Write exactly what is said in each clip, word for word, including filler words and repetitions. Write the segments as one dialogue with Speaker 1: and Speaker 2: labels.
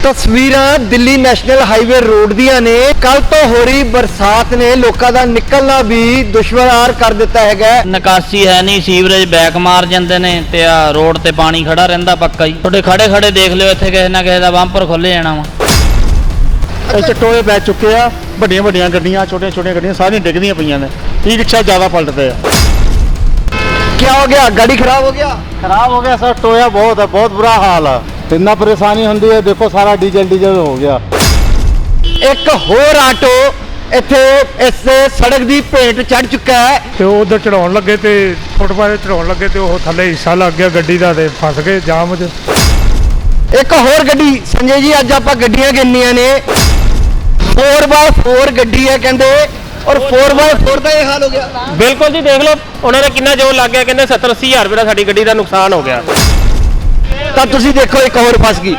Speaker 1: तस्वीरां Delhi national highway road दियां ने। कल तो हो रही बरसात ने लोगों का निकलना भी दुश्वार कर दिता है।
Speaker 2: निकासी है नहीं, सीवरेज बैक मार जाते ने ते आ रोड ते पानी खड़ा रहिंदा पक्का ही। थोड़े खड़े खड़े देख लियो, इत्थे किसे ना किसे दा बंपर खुल जाना वा।
Speaker 3: टोए पै चुके आ, ਵੱਡੀਆਂ ਵੱਡੀਆਂ ਗੱਡੀਆਂ ਛੋਟੀਆਂ ਛੋਟੀਆਂ ਗੱਡੀਆਂ ਸਾਰੀਆਂ ਡਿੱਗਦੀਆਂ ਪਈਆਂ ਨੇ। ई रिक्शा ज़्यादा पलटते हैं।
Speaker 1: क्या हो गया? गाड़ी खराब हो गया?
Speaker 3: खराब हो गया सर, टोया बहुत है, बहुत बुरा हाल है। इतना परेशानी होती है, देखो सारा डीजल डीजल हो गया।
Speaker 1: एक होर आटो इत्थे इस सड़क की भेंट चढ़ चुका है
Speaker 4: ਤੇ ਉਹ ਉਧਰ ਚੜਾਉਣ ਲੱਗੇ ਤੇ ਫੁੱਟਪਾਥ ਚੜਾਉਣ ਲੱਗੇ ਤੇ ਉਹ ਥੱਲੇ ਹਿੱਸਾ ਲੱਗ ਗਿਆ ਗੱਡੀ ਦਾ ਤੇ ਫਸ ਗਏ ਜਾਮ 'ਚ।
Speaker 1: एक होर गड्डी संजय जी अज आपां गड्डियां गिननियां ने। फोर बाय फोर गड्डी है कहंदे और फोर बाय फोर का यह हाल हो गया।
Speaker 5: बिल्कुल जी, देख लो उन्होंने कितना जोर लग गया, कहते सत्तर अस्सी हज़ार रुपये का साड़ी गड्डी का नुकसान हो गया।
Speaker 1: तब तुसी देखो एक और फंस गई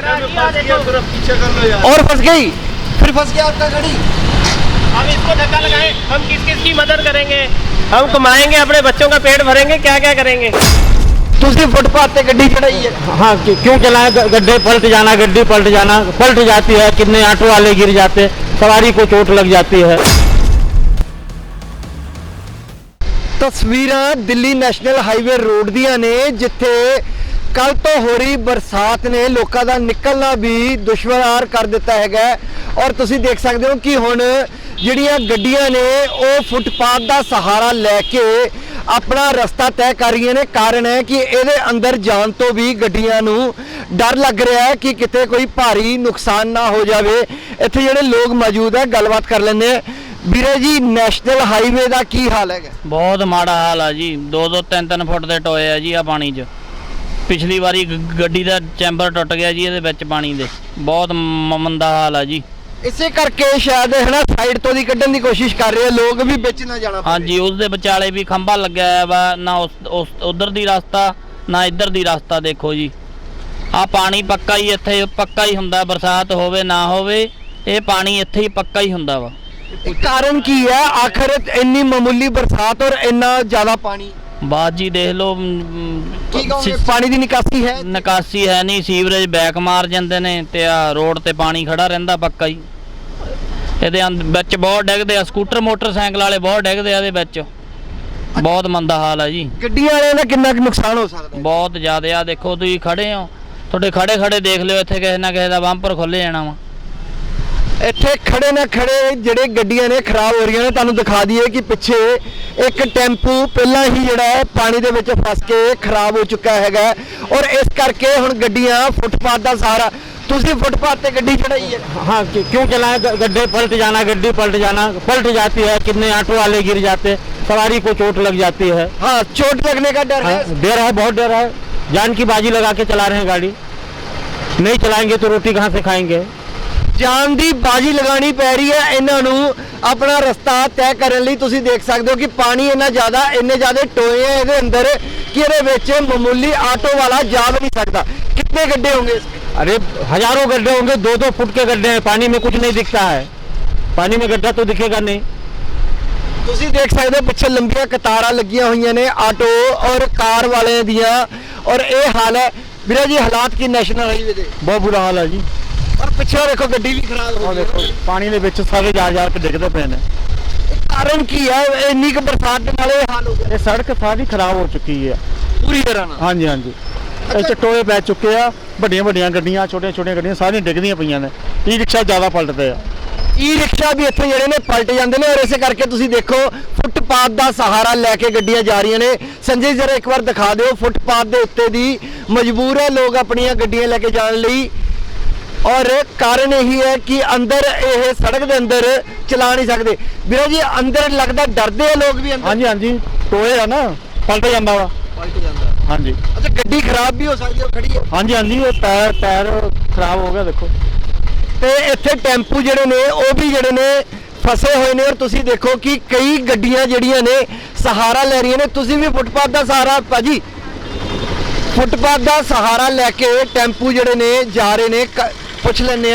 Speaker 1: और फंस गई फिर फंस गया आपका गाड़ी।
Speaker 5: हम इसको धक्का लगाएं, हम किस किस की मदद करेंगे? हम कमाएंगे, अपने बच्चों का पेट भरेंगे, क्या क्या करेंगे?
Speaker 1: तुसी फुटपाथ पे गड्डी चढ़ाई है।
Speaker 3: हाँ, क्यों चलाएं? गड्ढे पलट जाना, गड्डी पलट जाना, पलट जाती है। कितने ऑटो वाले गिर जाते, सवारी को चोट लग जाती है।
Speaker 1: तस्वीरां दिल्ली नैशनल हाईवे रोड दियां ने, जिथे कल तो हो रही बरसात ने लोगों का निकलना भी दुश्वार कर दिता है। और तुसी देख सकते हो कि हुण जिहड़ियां गड्डियां ने वो फुटपाथ का सहारा लैके अपना रस्ता तय कर रही ने। कारण है कि ये अंदर जान तो भी गड्डियां नूं डर लग रहा है कि किते कोई भारी नुकसान ना हो जाए। इत्थे जिहड़े लोग मौजूद है गलबात कर लेंदे। ਵੀਰੇ जी नैशनल हाईवे का की हाल है?
Speaker 2: बहुत माड़ा हाल है जी। दो दो तीन तीन फुट के टोए है जी आ पानी च। पिछली बारी गड्डी का चैंबर टुट गया जी ये पानी दे। बहुत मंदा हाल है जी।
Speaker 1: इसे करके शायद है ना साइड तो दी कड्ढन दी कोशिश कर रहे हैं लोग भी बिच ना जाना।
Speaker 2: हाँ जी, उसके विचाले भी खंभा लग्या है वा ना उस, उस उधर दी रास्ता ना इधर दी रास्ता। देखो जी आ पानी पक्का ही इत्थे पक्का ही हुंदा, बरसात होवे ना होवे ये पानी इत्थे ही पक्का ही हुंदा वा।
Speaker 1: कारण की है आखिर इन्नी मामूली बरसात और इन्ना ज्यादा पानी? बात
Speaker 2: जी देख लो,
Speaker 1: पानी की निकासी है
Speaker 2: निकासी है नहीं, सीवरेज बैक मार जाते ने ते आ रोड ते पानी खड़ा रहिंदा पक्का ही। ਇਹਦੇ ਵਿੱਚ ਬਹੁਤ ਡਿੱਗਦੇ ਆ, ਸਕੂਟਰ ਮੋਟਰਸਾਈਕਲ ਵਾਲੇ ਬਹੁਤ ਡਿੱਗਦੇ ਆ ਇਹਦੇ ਵਿੱਚ। ਬਹੁਤ ਮੰਦਾ ਹਾਲ ਹੈ ਜੀ।
Speaker 1: ਗੱਡੀਆਂ ਵਾਲਿਆਂ ਦਾ ਕਿੰਨਾ ਕੁ ਨੁਕਸਾਨ ਹੋ ਸਕਦਾ?
Speaker 2: ਬਹੁਤ ਜ਼ਿਆਦਾ ਆ। ਦੇਖੋ ਤੁਸੀਂ ਖੜੇ ਹੋ, ਤੁਹਾਡੇ ਖੜੇ ਖੜੇ ਦੇਖ ਲਿਓ, ਇੱਥੇ ਕਿਸੇ ਨਾ ਕਿਸੇ ਦਾ ਬੰਪਰ ਖੁੱਲ ਜਾਣਾ ਵਾ।
Speaker 1: ਇੱਥੇ ਖੜੇ ਨਾ ਖੜੇ ਜਿਹੜੇ ਗੱਡੀਆਂ ਨੇ ਖਰਾਬ ਹੋ ਰਹੀਆਂ ਨੇ। ਤੁਹਾਨੂੰ ਦਿਖਾ ਦਈਏ ਕਿ ਪਿੱਛੇ ਇੱਕ ਟੈਂਪੂ ਪਹਿਲਾਂ ਹੀ ਜਿਹੜਾ ਹੈ ਪਾਣੀ ਦੇ ਵਿੱਚ ਫਸ ਕੇ ਖਰਾਬ ਹੋ ਚੁੱਕਾ ਹੈਗਾ। ਔਰ ਇਸ ਕਰਕੇ ਹੁਣ ਗੱਡੀਆਂ ਫੁੱਟਪਾਥ ਦਾ ਸਹਾਰਾ। तुसी फुटपाथ पे गड्डी चढ़ाई है?
Speaker 3: हाँ, क्यों चलाएं? गड्ढे पलट जाना, गड्डी पलट जाना, पलट जाती है। कितने ऑटो वाले गिर जाते, सवारी को चोट लग जाती है।
Speaker 1: हाँ, चोट लगने का डर है।
Speaker 3: डर है, बहुत डर है। जान की बाजी लगा के चला रहे हैं गाड़ी। नहीं चलाएंगे तो रोटी कहाँ से खाएंगे?
Speaker 1: जान की बाजी लगानी पै रही है इन्हां नूं अपना रस्ता तय करने लई। तुसीं देख सकते हो कि पानी इन्ना ज़्यादा इन्ने ज़्यादा टोए हैं इहदे अंदर कि इहदे विच मामूली ऑटो वाला जा भी नहीं सकता। कितने गड्ढे होंगे इसके?
Speaker 3: अरे हजारों गड्ढे होंगे, दो दो फुट के गड्ढे हैं। पानी में कुछ नहीं दिखता है, पानी में गड्ढा तो दिखेगा नहीं।
Speaker 1: तुसीं देख सकते हो पिछे लंबियां कतारां लगियां हुई ने ऑटो और कार वाले दियां। और ये हाल है वीरा जी हालात की नैशनल हाईवे दे।
Speaker 3: बहुत बुरा हाल है जी।
Speaker 1: और पिछे देखो गड्डी भी खराब हो
Speaker 3: देखो पानी ਦੇ ਵਿੱਚ ਸਾਰੇ ਜਾ ਜਾ ਕੇ ਡਿੱਗਦੇ ਪਏ ਨੇ।
Speaker 1: कारण की है इन्नी क बरसात ਦੇ ਨਾਲ ਇਹ ਹਾਲ ਹੋ ਗਿਆ?
Speaker 3: ਇਹ ਸੜਕ ਸਾਰੀ ਖਰਾਬ ਹੋ ਚੁੱਕੀ ਹੈ
Speaker 1: ਪੂਰੀ ਤਰ੍ਹਾਂ ਨਾਲ।
Speaker 3: ਹਾਂਜੀ ਹਾਂਜੀ, ਇੱਥੇ ਟੋਏ ਪੈ ਚੁੱਕੇ ਆ, ਵੱਡੀਆਂ ਵੱਡੀਆਂ ਗੱਡੀਆਂ ਛੋਟੀਆਂ ਛੋਟੀਆਂ ਗੱਡੀਆਂ ਸਾਰੀਆਂ ਡਿੱਗਦੀਆਂ ਪਈਆਂ ਨੇ। ई रिक्शा ਜ਼ਿਆਦਾ ਪਲਟਦੇ ਆ।
Speaker 1: ई रिक्शा भी ਇੱਥੇ ਜਿਹੜੇ ਨੇ ਪਲਟ ਜਾਂਦੇ ਨੇ। ਔਰ ਇਸੇ ਕਰਕੇ ਤੁਸੀਂ ਦੇਖੋ ਫੁੱਟਪਾਥ ਦਾ ਸਹਾਰਾ ਲੈ ਕੇ ਗੱਡੀਆਂ ਜਾ ਰਹੀਆਂ ਨੇ। ਸੰਜੇ ਜਰਾ ਇੱਕ ਵਾਰ ਦਿਖਾ ਦਿਓ ਫੁੱਟਪਾਥ ਦੇ ਉੱਤੇ ਦੀ ਮਜਬੂਰ ਹੈ ਲੋਕ ਆਪਣੀਆਂ ਗੱਡੀਆਂ ਲੈ ਕੇ ਜਾਣ ਲਈ। और कारण यही है कि अंदर ये सड़क के अंदर चला नहीं सकते। ਵੀਰਾ जी अंदर लगता डरते हैं लोग भी अंदर?
Speaker 3: हाँ जी हाँ जी, टोए है ना, पलट जाता वा।
Speaker 1: पलट जाता
Speaker 3: हाँ जी।
Speaker 1: अच्छा, गड्डी खराब भी हो सकती है खड़ी है?
Speaker 3: हाँ जी हाँ जी, टायर टायर खराब हो गया देखो।
Speaker 1: ਤੇ ਇੱਥੇ ਟੈਂਪੂ ਜਿਹੜੇ ਨੇ ਉਹ ਵੀ ਜਿਹੜੇ ਨੇ ਫਸੇ ਹੋਏ ਨੇ। ਔਰ ਤੁਸੀਂ ਦੇਖੋ ਕਿ ਕਈ ਗੱਡੀਆਂ ਜਿਹੜੀਆਂ ਨੇ ਸਹਾਰਾ ਲੈ ਰਹੀਆਂ ਨੇ। ਤੁਸੀਂ ਵੀ ਫੁੱਟਪਾਥ ਦਾ ਸਹਾਰਾ ਭਾਜੀ ਫੁੱਟਪਾਥ ਦਾ ਸਹਾਰਾ ਲੈ ਕੇ ਟੈਂਪੂ ਜਿਹੜੇ ਨੇ ਜਾ ਰਹੇ ਨੇ। पूछ लेने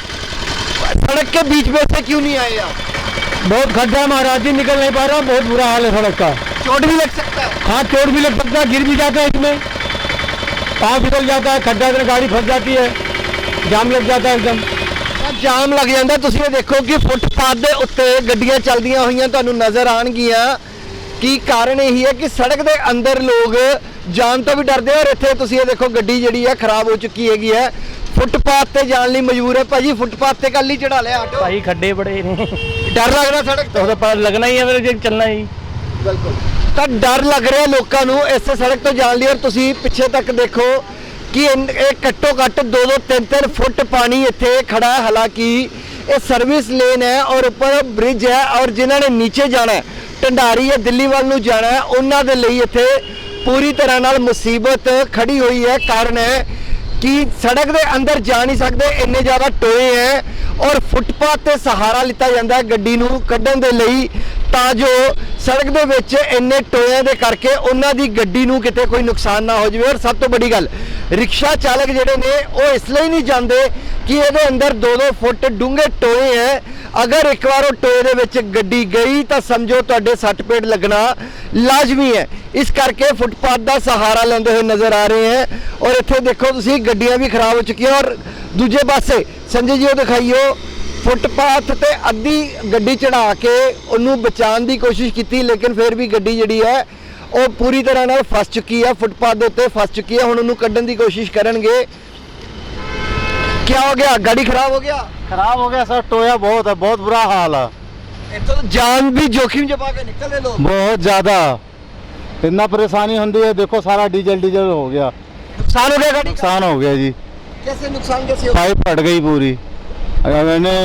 Speaker 1: सड़क के बीच में से क्यों नहीं आए आप?
Speaker 3: बहुत खड्डा है महाराज जी, निकल नहीं पा रहा। बहुत बुरा हाल है सड़क का।
Speaker 1: चोट भी लग सकता है?
Speaker 3: हाँ, चोट भी लग सकता है, गिर भी जाता है, इसमें पाँव फिसल जाता है, खड्डा में गाड़ी फंस जाती है। जाम लग जाता है एकदम।
Speaker 1: ਤਾਂ ਜਾਮ ਲੱਗ ਜਾਂਦਾ। ਤੁਸੀਂ ਇਹ ਦੇਖੋ ਕਿ ਫੁੱਟਪਾਥ ਦੇ ਉੱਤੇ ਗੱਡੀਆਂ ਚੱਲਦੀਆਂ ਹੋਈਆਂ ਤੁਹਾਨੂੰ ਨਜ਼ਰ ਆਣਗੀਆਂ। ਕੀ ਕਾਰਨ ਇਹੀ ਹੈ ਕਿ ਸੜਕ ਦੇ ਅੰਦਰ ਲੋਕ ਜਾਣ ਤੋਂ ਵੀ ਡਰਦੇ ਔਰ ਇੱਥੇ ਤੁਸੀਂ ਇਹ ਦੇਖੋ ਗੱਡੀ ਜਿਹੜੀ ਹੈ ਖਰਾਬ ਹੋ ਚੁੱਕੀ ਹੈਗੀ ਹੈ। ਫੁੱਟਪਾਥ ਤੇ ਜਾਣ ਲਈ ਮਜਬੂਰ ਹੈ। ਭਾਜੀ ਫੁੱਟਪਾਥ ਤੇ ਕੱਲ ਹੀ ਚੜਾ ਲਿਆ ਆਟੋ।
Speaker 3: भाई खड्डे बड़े ने
Speaker 1: ਡਰ ਲੱਗਦਾ ਸੜਕ
Speaker 3: तो
Speaker 1: ਤੋਂ?
Speaker 3: पर लगना ही है मेरे जो चलना ही।
Speaker 1: ਬਿਲਕੁਲ। ਤਾਂ ਡਰ ਲੱਗ ਰਿਹਾ ਲੋਕਾਂ ਨੂੰ ਇਸ ਸੜਕ ਤੋਂ ਜਾਣ ਲਈ। ਔਰ ਤੁਸੀਂ ਪਿੱਛੇ ਤੱਕ ਦੇਖੋ ਕਿ ਇਨ- ਇਹ ਘੱਟੋ ਘੱਟ ਦੋ ਦੋ ਤਿੰਨ ਤਿੰਨ ਫੁੱਟ ਪਾਣੀ ਇੱਥੇ ਖੜਾ ਹੈ। ਹਾਲਾਂਕਿ ਇਹ ਸਰਵਿਸ ਲੇਨ ਹੈ ਔਰ ਉੱਪਰ ਬ੍ਰਿਜ ਹੈ ਔਰ ਜਿਨ੍ਹਾਂ ਨੇ ਨੀਚੇ ਜਾਣਾ ਹੈ ਢੰਡਾਰੀ ਜਾਂ ਦਿੱਲੀ ਵੱਲ ਨੂੰ ਜਾਣਾ ਹੈ ਉਹਨਾਂ ਦੇ ਲਈ ਇੱਥੇ ਪੂਰੀ ਤਰ੍ਹਾਂ ਨਾਲ ਮੁਸੀਬਤ ਖੜੀ ਹੋਈ ਹੈ। ਕਾਰਨ ਹੈ ਕਿ ਸੜਕ ਦੇ ਅੰਦਰ ਜਾ ਨਹੀਂ ਸਕਦੇ, ਇੰਨੇ ਜ਼ਿਆਦਾ ਟੋਏ ਹੈ ਔਰ ਫੁੱਟਪਾਥ ਤੇ ਸਹਾਰਾ ਲਿੱਤਾ ਜਾਂਦਾ ਹੈ ਗੱਡੀ ਨੂੰ ਕੱਢਣ ਦੇ ਲਈ ਤਾਂ ਜੋ ਸੜਕ ਦੇ ਵਿੱਚ ਇੰਨੇ ਟੋਇਆਂ ਦੇ ਕਰਕੇ ਉਹਨਾਂ ਦੀ ਗੱਡੀ ਨੂੰ ਕਿਤੇ ਕੋਈ ਨੁਕਸਾਨ ਨਾ ਹੋ ਜਾਵੇ। ਔਰ ਸਭ ਤੋਂ ਵੱਡੀ ਗੱਲ, ਰਿਕਸ਼ਾ ਚਾਲਕ ਜਿਹੜੇ ਨੇ ਉਹ ਇਸ ਲਈ ਨਹੀਂ ਜਾਂਦੇ ਕਿ ਇਹਦੇ ਅੰਦਰ ਦੋ ਦੋ ਫੁੱਟ ਡੂੰਘੇ ਟੋਏ ਹੈ। ਅਗਰ ਇੱਕ ਵਾਰ ਉਹ ਟੋਏ ਦੇ ਵਿੱਚ ਗੱਡੀ ਗਈ ਤਾਂ ਸਮਝੋ ਤੁਹਾਡੇ ਸੱਟ ਪੇਟ ਲੱਗਣਾ ਲਾਜ਼ਮੀ ਹੈ। ਇਸ ਕਰਕੇ ਫੁੱਟਪਾਥ ਦਾ ਸਹਾਰਾ ਲੈਂਦੇ ਹੋਏ ਨਜ਼ਰ ਆ ਰਹੇ ਹੈ। ਔਰ ਇੱਥੇ ਦੇਖੋ ਤੁਸੀਂ ਗੱਡੀਆਂ ਵੀ ਖਰਾਬ ਹੋ ਚੁੱਕੀਆਂ। ਔਰ ਦੂਜੇ ਪਾਸੇ ਸੰਜੇ ਜੀ ਉਹ ਦਿਖਾਈਓ, ਫੁੱਟਪਾਥ ਤੇ ਅੱਧੀ ਗੱਡੀ ਚੜਾ ਕੇ ਉਹਨੂੰ ਬਚਾਉਣ ਦੀ ਕੋਸ਼ਿਸ਼ ਕੀਤੀ ਲੇਕਿਨ ਫਿਰ ਵੀ ਗੱਡੀ ਜਿਹੜੀ ਹੈ ਉਹ ਪੂਰੀ ਤਰ੍ਹਾਂ ਨਾਲ ਫਸ ਚੁੱਕੀ ਹੈ, ਫੁੱਟਪਾਥ ਦੇ ਉੱਤੇ ਫਸ ਚੁੱਕੀ ਹੈ। ਹੁਣ ਉਹਨੂੰ ਕੱਢਣ ਦੀ ਕੋਸ਼ਿਸ਼ ਕਰਨਗੇ। क्या हो गया? गाड़ी खराब हो गया?
Speaker 3: खराब हो गया सर, टोया बहुत है, बहुत बुरा हाल है।
Speaker 1: ये तो जान भी जोखिम जमा के निकल रहे लोग।
Speaker 3: बहुत ज्यादा इतना परेशानी होती है। देखो सारा डीजल डीजल हो गया,
Speaker 1: नुकसान हो गया गाड़ी का?
Speaker 3: नुकसान हो गया जी।
Speaker 1: कैसे नुकसान कैसे हो?
Speaker 3: पाइप फट गई पूरी। अगर मैंने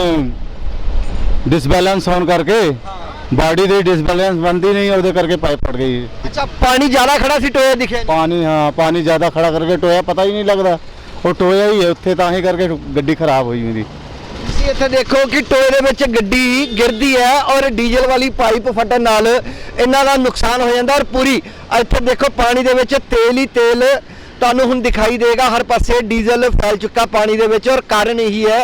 Speaker 3: डिसबैलेंस होने करके बॉडी दी डिसबैलेंस बनती नहीं और करके पाइप फट गई।
Speaker 1: अच्छा पानी ज्यादा खड़ा सी टोया दिखे?
Speaker 3: पानी हाँ पानी ज्यादा खड़ा करके टोया पता ही नहीं लगता ਉਹ ਟੋਇਆ ਹੀ ਹੈ ਉੱਥੇ, ਤਾਂ ਹੀ ਕਰਕੇ ਗੱਡੀ ਖਰਾਬ ਹੋਈ ਮੇਰੀ।
Speaker 1: ਤੁਸੀਂ ਇੱਥੇ ਦੇਖੋ ਕਿ ਟੋਏ ਦੇ ਵਿੱਚ ਗੱਡੀ ਗਿਰਦੀ ਹੈ ਔਰ ਡੀਜ਼ਲ ਵਾਲੀ ਪਾਈਪ ਫਟਣ ਨਾਲ ਇਹਨਾਂ ਦਾ ਨੁਕਸਾਨ ਹੋ ਜਾਂਦਾ। ਔਰ ਪੂਰੀ ਇੱਥੇ ਦੇਖੋ ਪਾਣੀ ਦੇ ਵਿੱਚ ਤੇਲ ਹੀ ਤੇਲ ਤੁਹਾਨੂੰ ਹੁਣ ਦਿਖਾਈ ਦੇਗਾ। ਹਰ ਪਾਸੇ ਡੀਜ਼ਲ ਫੈਲ ਚੁੱਕਾ ਪਾਣੀ ਦੇ ਵਿੱਚ ਔਰ ਕਾਰਨ ਇਹੀ ਹੈ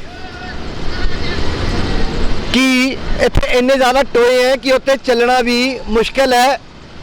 Speaker 1: ਕਿ ਇੱਥੇ ਇੰਨੇ ਜ਼ਿਆਦਾ ਟੋਏ ਹੈ ਕਿ ਉੱਤੇ ਚੱਲਣਾ ਵੀ ਮੁਸ਼ਕਲ ਹੈ।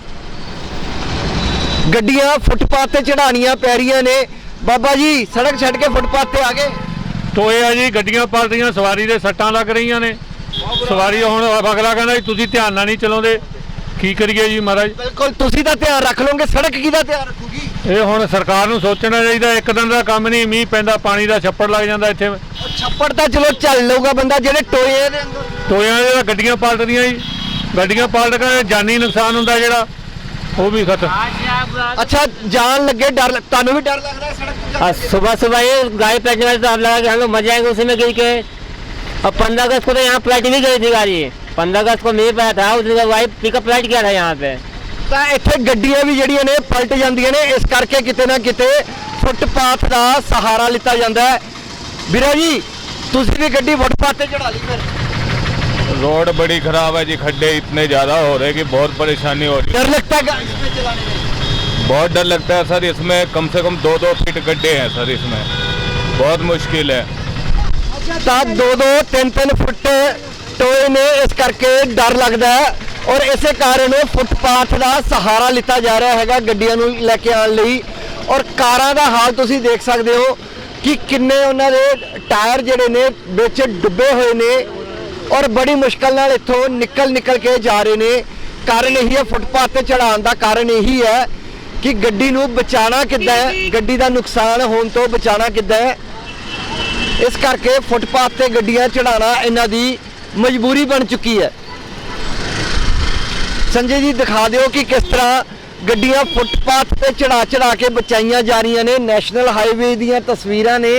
Speaker 1: ਗੱਡੀਆਂ ਫੁੱਟਪਾਥ ਤੇ ਚੜਾਣੀਆਂ ਪੈ ਰਹੀਆਂ ਨੇ। ਬਾਬਾ ਜੀ ਸੜਕ ਛੱਡ ਕੇ ਫੁੱਟਪਾਥ ਤੇ ਆ ਗਏ।
Speaker 4: ਟੋਏ ਆ ਜੀ, ਗੱਡੀਆਂ ਪਲਟੀਆਂ, ਸਵਾਰੀ ਦੇ ਸੱਟਾਂ ਲੱਗ ਰਹੀਆਂ ਨੇ। ਸਵਾਰੀ ਹੁਣ ਅਗਲਾ ਕਹਿੰਦਾ ਜੀ ਤੁਸੀਂ ਧਿਆਨ ਨਾਲ ਨਹੀਂ ਚਲਾਉਂਦੇ, ਕੀ ਕਰੀਏ ਜੀ ਮਹਾਰਾਜ।
Speaker 1: ਬਿਲਕੁਲ ਤੁਸੀਂ ਤਾਂ ਧਿਆਨ ਰੱਖ ਲਓਗੇ, ਸੜਕ ਕਿਹਦਾ ਧਿਆਨ ਰੱਖੂਗੀ?
Speaker 4: ਇਹ ਹੁਣ ਸਰਕਾਰ ਨੂੰ ਸੋਚਣਾ ਚਾਹੀਦਾ। ਇੱਕ ਦਿਨ ਦਾ ਕੰਮ ਨਹੀਂ, ਮੀਂਹ ਪੈਂਦਾ ਪਾਣੀ ਦਾ ਛੱਪੜ ਲੱਗ ਜਾਂਦਾ ਇੱਥੇ।
Speaker 1: ਉਹ ਛੱਪੜ ਤਾਂ ਚਲੋ ਚੱਲ ਲਊਗਾ ਬੰਦਾ, ਜਿਹੜੇ ਟੋਏ ਦੇ ਅੰਦਰ
Speaker 4: ਟੋਇਆਂ ਦੇ ਤਾਂ ਗੱਡੀਆਂ ਪਲਟਦੀਆਂ ਜੀ, ਗੱਡੀਆਂ ਪਲਟ ਕੇ ਜਾਨੀ ਨੁਕਸਾਨ ਹੁੰਦਾ ਜਿਹੜਾ, ਉਹ ਵੀ ਖਤਮ।
Speaker 1: अच्छा जान लगे डर लग, तानू भी डर लग रहा है सड़क पे जाने?
Speaker 3: सुबह सुबह ये गाड़ी पलटने वाले तो अब लगा कि हम लोग मर जाएंगे उसी में गिर के। अब पंद्रह अगस्त को तो यहाँ पलट भी गई थी गाड़ी। पंद्रह अगस्त को नहीं पाया था, उस दिन वाई पिकअप पलट गया था यहाँ पे।
Speaker 1: ਤਾਂ ਇੱਥੇ ਗੱਡੀਆਂ ਵੀ ਜਿਹੜੀਆਂ ਨੇ ਪਲਟ ਜਾਂਦੀਆਂ ਨੇ। ਇਸ ਕਰਕੇ ਕਿਤੇ ਨਾ ਕਿਤੇ ਫੁੱਟਪਾਥ ਦਾ ਸਹਾਰਾ ਲਿੱਤਾ ਜਾਂਦਾ ਹੈ। ਵੀਰਾ ਜੀ ਤੁਸੀਂ ਵੀ ਗੱਡੀ ਫੁੱਟਪਾਥ ਤੇ ਚੜਾ ਲਈ ਫਿਰ?
Speaker 6: रोड बड़ी खराब है जी, खड्डे इतने ज़्यादा हो रहे कि बहुत परेशानी हो रही है।
Speaker 1: डर लगता है गाड़ी इसमें चलाने में?
Speaker 6: बहुत डर लगता है सर, इसमें कम से कम दो दो फीट गड्ढे हैं सर, इसमें बहुत मुश्किल है।
Speaker 1: ਤਾਂ ਦੋ ਦੋ ਤਿੰਨ ਤਿੰਨ ਫੁੱਟ ਟੋਏ ਨੇ, ਇਸ ਕਰਕੇ ਡਰ ਲੱਗਦਾ ਹੈ। ਔਰ ਇਸੇ ਕਾਰਨ ਫੁੱਟਪਾਥ ਦਾ ਸਹਾਰਾ ਲਿੱਤਾ ਜਾ ਰਿਹਾ ਹੈਗਾ ਗੱਡੀਆਂ ਨੂੰ ਲੈ ਕੇ ਆਉਣ ਲਈ। ਔਰ ਕਾਰਾਂ ਦਾ ਹਾਲ ਤੁਸੀਂ ਦੇਖ ਸਕਦੇ ਹੋ ਕਿ ਕਿੰਨੇ ਉਹਨਾਂ ਦੇ ਟਾਇਰ ਜਿਹੜੇ ਨੇ ਵਿੱਚ ਡੁੱਬੇ ਹੋਏ ਨੇ ਔਰ ਬੜੀ ਮੁਸ਼ਕਲ ਨਾਲ ਇੱਥੋਂ ਨਿਕਲ ਨਿਕਲ ਕੇ ਜਾ ਰਹੇ ਨੇ। ਕਾਰਨ ਇਹੀ ਹੈ, ਫੁੱਟਪਾਥ ਤੇ ਚੜਾਉਣ ਦਾ ਕਾਰਨ ਇਹੀ ਹੈ ਕਿ ਗੱਡੀ ਨੂੰ ਬਚਾਉਣਾ ਕਿੱਦਾਂ ਹੈ, ਗੱਡੀ ਦਾ ਨੁਕਸਾਨ ਹੋਣ ਤੋਂ ਬਚਾਉਣਾ ਕਿੱਦਾਂ ਹੈ। ਇਸ ਕਰਕੇ ਫੁੱਟਪਾਥ ਤੇ ਗੱਡੀਆਂ ਚੜਾਉਣਾ ਇਹਨਾਂ ਦੀ ਮਜਬੂਰੀ ਬਣ ਚੁੱਕੀ ਹੈ। ਸੰਜੇ ਜੀ ਦਿਖਾ ਦਿਓ ਕਿ ਕਿਸ ਤਰ੍ਹਾਂ ਗੱਡੀਆਂ ਫੁੱਟਪਾਥ ਤੇ ਚੜਾ ਚੜਾ ਕੇ ਬਚਾਈਆਂ ਜਾ ਰਹੀਆਂ ਨੇ। ਨੈਸ਼ਨਲ ਹਾਈਵੇ ਦੀਆਂ ਤਸਵੀਰਾਂ ਨੇ।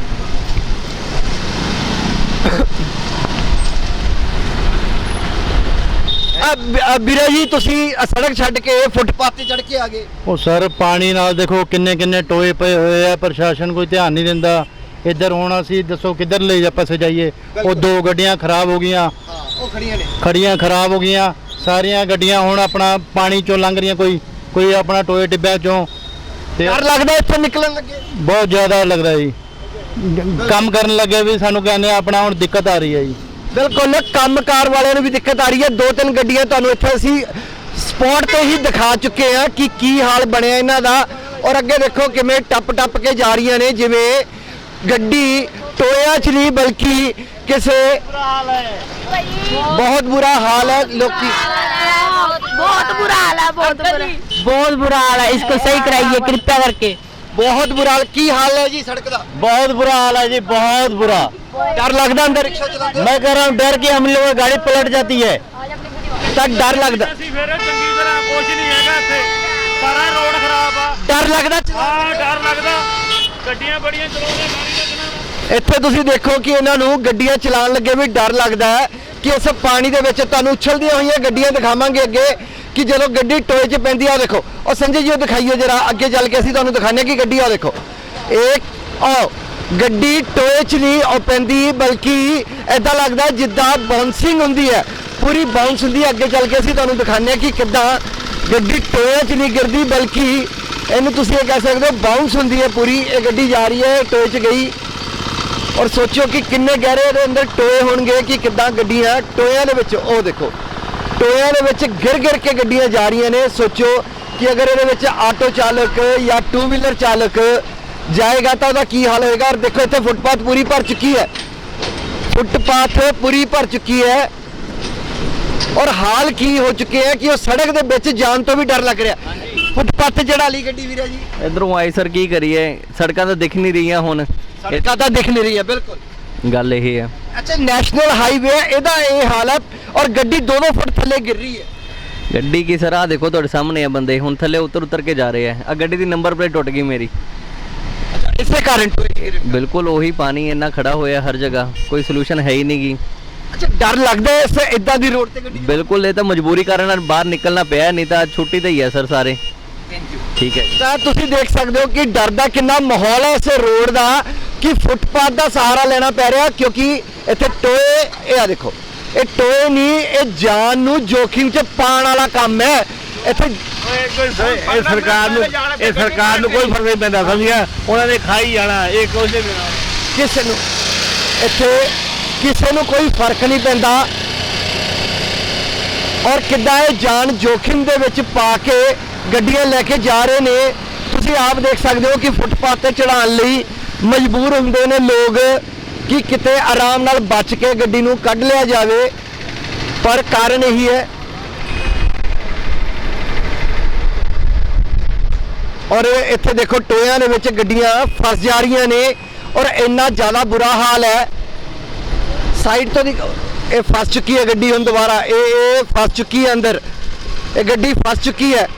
Speaker 1: ਵੀਰਾ ਜੀ ਤੁਸੀਂ ਸੜਕ ਛੱਡ ਕੇ ਫੁੱਟਪਾਥ ਤੇ ਚੜ ਕੇ ਆ ਗਏ।
Speaker 3: ਉਹ ਸਰ ਪਾਣੀ ਨਾਲ ਦੇਖੋ ਕਿੰਨੇ ਕਿੰਨੇ ਟੋਏ ਪਏ ਹੋਏ ਆ, ਪ੍ਰਸ਼ਾਸਨ ਕੋਈ ਧਿਆਨ ਨਹੀਂ ਦਿੰਦਾ। ਇੱਧਰ ਹੁਣ ਅਸੀਂ ਦੱਸੋ ਕਿੱਧਰ ਲੈ ਜਾ ਪਾਸੇ ਜਾਈਏ। ਉਹ ਦੋ ਗੱਡੀਆਂ ਖਰਾਬ ਹੋ ਗਈਆਂ,
Speaker 1: ਹਾਂ ਉਹ ਖੜੀਆਂ ਨੇ,
Speaker 3: ਖੜੀਆਂ ਖਰਾਬ ਹੋ ਗਈਆਂ ਸਾਰੀਆਂ ਗੱਡੀਆਂ। ਹੁਣ ਆਪਣਾ ਪਾਣੀ ਚੋਂ ਲੰਘ ਰਹੀਆਂ, ਕੋਈ ਕੋਈ ਆਪਣਾ ਟੋਏ ਟਿੱਬਿਆਂ ਚੋਂ। ਤੇ
Speaker 1: ਡਰ ਲੱਗਦਾ ਇੱਥੋਂ ਨਿਕਲਣ ਲੱਗੇ?
Speaker 3: ਬਹੁਤ ਜ਼ਿਆਦਾ ਲੱਗਦਾ ਜੀ, ਕੰਮ ਕਰਨ ਲੱਗੇ ਵੀ ਸਾਨੂੰ ਕਹਿੰਦੇ ਆਪਣਾ ਹੁਣ ਦਿੱਕਤ ਆ ਰਹੀ ਹੈ ਜੀ।
Speaker 1: ਬਿਲਕੁਲ ਕੰਮਕਾਰ ਵਾਲਿਆਂ ਨੂੰ ਵੀ ਦਿੱਕਤ ਆ ਰਹੀ ਹੈ। ਦੋ ਤਿੰਨ ਗੱਡੀਆਂ ਤੁਹਾਨੂੰ ਇੱਥੇ ਅਸੀਂ ਸਪੌਟ ਤੇ ਹੀ ਦਿਖਾ ਚੁੱਕੇ ਆ ਕਿ ਕੀ ਹਾਲ ਬਣਿਆ ਇਹਨਾਂ ਦਾ। ਔਰ ਅੱਗੇ ਦੇਖੋ ਕਿਵੇਂ ਟੱਪ ਟੱਪ ਕੇ ਜਾ ਰਹੀਆਂ ਨੇ, ਜਿਵੇਂ ਗੱਡੀ ਟੋਇਆਂ 'ਚ ਨਹੀਂ ਬਲਕਿ ਕਿਸੇ ਬਹੁਤ ਬੁਰਾ ਹਾਲ ਹੈ ਲੋਕੀ
Speaker 7: बहुत बुरा हाल है, बहुत बुरा
Speaker 3: बहुत बुरा हाल है, इसको सही कराइए कृपया करके।
Speaker 1: ਬਹੁਤ ਬੁਰਾ ਹਾਲ ਕੀ ਹਾਲ ਹੈ ਜੀ ਸੜਕ ਦਾ
Speaker 3: बहुत बुरा हाल है जी, बहुत बुरा।
Speaker 1: ਡਰ ਲੱਗਦਾ ਅੰਦਰ ਰਿਕਸ਼ਾ ਚਲਾਉਂਦੇ
Speaker 3: मैं कह रहा हूँ डर के हम लोगों की गाड़ी पलट जाती है।
Speaker 1: ਤਾਂ ਡਰ ਲੱਗਦਾ
Speaker 4: ਅਸੀਂ ਫੇਰ ਚੰਗੀ ਤਰ੍ਹਾਂ ਕੁਝ ਨਹੀਂ ਹੈਗਾ ਇੱਥੇ, ਸਾਰਾ ਰੋਡ ਖਰਾਬ ਆ।
Speaker 1: ਡਰ ਲੱਗਦਾ
Speaker 4: ਹਾਂ ਡਰ ਲੱਗਦਾ, ਗੱਡੀਆਂ ਬੜੀਆਂ ਚਲਾਉਂਦੇ ਮਾਰੀ ਲੱਗਣਾ।
Speaker 1: ਇੱਥੇ ਤੁਸੀਂ ਦੇਖੋ ਕਿ ਇਹਨਾਂ ਨੂੰ ਗੱਡੀਆਂ ਚਲਾਉਣ ਲੱਗੇ ਵੀ ਡਰ ਲੱਗਦਾ ਹੈ ਕਿ ਇਸ ਪਾਣੀ ਦੇ ਵਿੱਚ ਤੁਹਾਨੂੰ ਉਛਲਦੀਆਂ ਹੋਈਆਂ ਗੱਡੀਆਂ ਦਿਖਾਵਾਂਗੇ ਅੱਗੇ ਕਿ ਜਦੋਂ ਗੱਡੀ ਟੋਏ 'ਚ ਪੈਂਦੀ ਆ ਦੇਖੋ। ਉਹ ਸੰਜੇ ਜੀ ਉਹ ਦਿਖਾਈਏ ਜਰਾ ਅੱਗੇ ਚੱਲ ਕੇ ਅਸੀਂ ਤੁਹਾਨੂੰ ਦਿਖਾਉਂਦੇ ਕਿ ਗੱਡੀ ਆ ਦੇਖੋ ਇਹ ਆਹ ਗੱਡੀ ਟੋਏ 'ਚ ਨਹੀਂ ਉਹ ਪੈਂਦੀ ਬਲਕਿ ਐਦਾਂ ਲੱਗਦਾ ਜਿੱਦਾਂ ਬਾਉਂਸਿੰਗ ਹੁੰਦੀ ਹੈ, ਪੂਰੀ ਬਾਉਂਸ ਹੁੰਦੀ ਹੈ। ਅੱਗੇ ਚੱਲ ਕੇ ਅਸੀਂ ਤੁਹਾਨੂੰ ਦਿਖਾਉਂਦੇ ਕਿ ਕਿੱਦਾਂ ਗੱਡੀ ਟੋਏ 'ਚ ਨਹੀਂ ਗਿਰਦੀ ਬਲਕਿ ਇਹਨੂੰ ਤੁਸੀਂ ਇਹ ਕਹਿ ਸਕਦੇ ਹੋ ਬਾਉਂਸ ਹੁੰਦੀ ਹੈ ਪੂਰੀ। ਇਹ ਗੱਡੀ ਜਾ ਰਹੀ ਹੈ ਟੋਏ 'ਚ ਗਈ ਔਰ ਸੋਚੋ ਕਿ ਕਿੰਨੇ ਗਹਿਰੇ ਇਹਦੇ ਅੰਦਰ ਟੋਏ ਹੋਣਗੇ ਕਿ ਕਿੱਦਾਂ ਗੱਡੀਆਂ ਟੋਇਆਂ ਦੇ ਵਿੱਚ ਉਹ ਦੇਖੋ ਟੋਇਆਂ ਦੇ ਵਿੱਚ ਗਿਰ ਗਿਰ ਕੇ ਗੱਡੀਆਂ ਜਾ ਰਹੀਆਂ ਨੇ। ਸੋਚੋ ਕਿ ਅਗਰ ਇਹਦੇ ਵਿੱਚ ਆਟੋ ਚਾਲਕ ਜਾਂ ਟੂ ਵੀਲਰ ਚਾਲਕ ਜਾਏਗਾ ਤਾਂ ਉਹਦਾ ਕੀ ਹਾਲ ਹੋਏਗਾ। ਔਰ ਦੇਖੋ ਇੱਥੇ ਫੁੱਟਪਾਥ ਪੂਰੀ ਭਰ ਚੁੱਕੀ ਹੈ, ਫੁੱਟਪਾਥ ਪੂਰੀ ਭਰ ਚੁੱਕੀ ਹੈ ਔਰ ਹਾਲ ਕੀ ਹੋ ਚੁੱਕੇ ਹੈ ਕਿ ਉਹ ਸੜਕ ਦੇ ਵਿੱਚ ਜਾਣ ਤੋਂ ਵੀ ਡਰ ਲੱਗ ਰਿਹਾ। ਫੁੱਟਪਾਥ ਜਿਹੜਾ ਵਾਲੀ ਗੱਡੀ ਵੀਰਾ ਜੀ
Speaker 8: ਇਧਰੋਂ ਆਈ ਸਰ ਕੀ ਕਰੀਏ, ਸੜਕਾਂ ਤਾਂ ਦਿਖ ਨਹੀਂ ਰਹੀਆਂ ਹੁਣ,
Speaker 1: ਸੜਕਾਂ ਤਾਂ ਦਿਖ ਨਹੀਂ ਰਹੀ ਹੈ ਬਿਲਕੁਲ।
Speaker 8: ਗੱਲ ਇਹ ਹੈ।
Speaker 1: ਅੱਛਾ ਨੈਸ਼ਨਲ ਹਾਈਵੇ ਹੈ ਇਹਦਾ ਇਹ ਹਾਲ ਹੈ ਔਰ ਗੱਡੀ ਦੋ ਦੋ ਫੁੱਟ ਥੱਲੇ ਗਿਰ ਰਹੀ ਹੈ।
Speaker 8: ਗੱਡੀ ਕੀ ਸਰ, ਆ ਦੇਖੋ ਤੁਹਾਡੇ ਸਾਹਮਣੇ ਆ ਬੰਦੇ ਹੁਣ ਥੱਲੇ ਉਤਰ ਉਤਰ ਕੇ ਜਾ ਰਹੇ ਆ। ਆ ਗੱਡੀ ਦੀ ਨੰਬਰ ਪਲੇਟ ਟੁੱਟ ਗਈ ਮੇਰੀ।
Speaker 1: ਇਸੇ ਕਾਰਨ ਟੋਏ
Speaker 8: ਬਿਲਕੁਲ ਉਹੀ ਪਾਣੀ ਇੰਨਾ ਖੜਾ ਹੋਇਆ ਹਰ ਜਗ੍ਹਾ, ਕੋਈ ਸੋਲੂਸ਼ਨ ਹੈ ਹੀ ਨਹੀਂ ਗੀ।
Speaker 1: ਅੱਛਾ ਡਰ ਲੱਗਦਾ ਹੈ ਇਸ ਇਦਾਂ ਦੀ ਰੋਡ ਤੇ ਗੱਡੀ
Speaker 8: ਬਿਲਕੁਲ ਇਹ ਤਾਂ ਮਜਬੂਰੀ ਕਾਰਨ ਬਾਹਰ ਨਿਕਲਣਾ ਪਿਆ, ਨਹੀਂ ਤਾਂ ਛੁੱਟੀ ਤੇ ਹੀ ਹੈ ਸਰ ਸਾਰੇ। ਠੀਕ ਹੈ ਜੀ।
Speaker 1: ਤਾਂ ਤੁਸੀਂ ਦੇਖ ਸਕਦੇ ਹੋ ਕਿ ਡਰ ਦਾ ਕਿੰਨਾ ਮਾਹੌਲ ਹੈ ਇਸ ਰੋਡ ਦਾ ਕਿ ਫੁੱਟਪਾਥ ਦਾ ਸਹਾਰਾ ਲੈਣਾ ਪੈ ਰਿਹਾ ਕਿਉਂਕਿ ਇੱਥੇ ਟੋਏ ਇਹ ਆ ਦੇਖੋ ਇਹ ਟੋਏ ਨਹੀਂ ਇਹ ਜਾਨ ਨੂੰ ਜੋਖਿਮ 'ਚ ਪਾਉਣ ਵਾਲਾ ਕੰਮ ਹੈ। ਇੱਥੇ
Speaker 4: ਇਹ ਸਰਕਾਰ ਨੂੰ ਇਹ ਸਰਕਾਰ ਨੂੰ ਕੋਈ ਫਰਕ ਨਹੀਂ ਪੈਂਦਾ, ਸਮਝਿਆ? ਉਹਨਾਂ ਨੇ ਖਾਈ ਜਾਣਾ ਇਹ ਕੁਝ ਨਹੀਂ।
Speaker 1: ਕਿਸੇ ਨੂੰ ਇੱਥੇ ਕਿਸੇ ਨੂੰ ਕੋਈ ਫਰਕ ਨਹੀਂ ਪੈਂਦਾ ਔਰ ਕਿੱਦਾਂ ਇਹ ਜਾਨ ਜੋਖਿਮ ਦੇ ਵਿੱਚ ਪਾ ਕੇ ਗੱਡੀਆਂ ਲੈ ਕੇ ਜਾ ਰਹੇ ਨੇ। ਤੁਸੀਂ ਆਪ ਦੇਖ ਸਕਦੇ ਹੋ ਕਿ ਫੁੱਟਪਾਥ ਤੇ ਚੜਾਉਣ ਲਈ ਮਜਬੂਰ ਹੁੰਦੇ ਨੇ ਲੋਕ ਕਿ ਕਿਤੇ ਆਰਾਮ ਨਾਲ ਬਚ ਕੇ ਗੱਡੀ ਨੂੰ ਕੱਢ ਲਿਆ ਜਾਵੇ, ਪਰ ਕਾਰਨ ਇਹੀ ਹੈ। ਔਰ ਇੱਥੇ ਦੇਖੋ ਟੋਇਆਂ ਦੇ ਵਿੱਚ ਗੱਡੀਆਂ ਫਸ ਜਾ ਰਹੀਆਂ ਨੇ ਔਰ ਇੰਨਾ ਜ਼ਿਆਦਾ ਬੁਰਾ ਹਾਲ ਹੈ। ਸਾਈਡ ਤੋਂ ਦੀ ਇਹ ਫਸ ਚੁੱਕੀ ਹੈ ਗੱਡੀ ਹੁਣ ਦੁਬਾਰਾ ਇਹ ਇਹ ਫਸ ਚੁੱਕੀ ਹੈ ਅੰਦਰ, ਇਹ ਗੱਡੀ ਫਸ ਚੁੱਕੀ ਹੈ।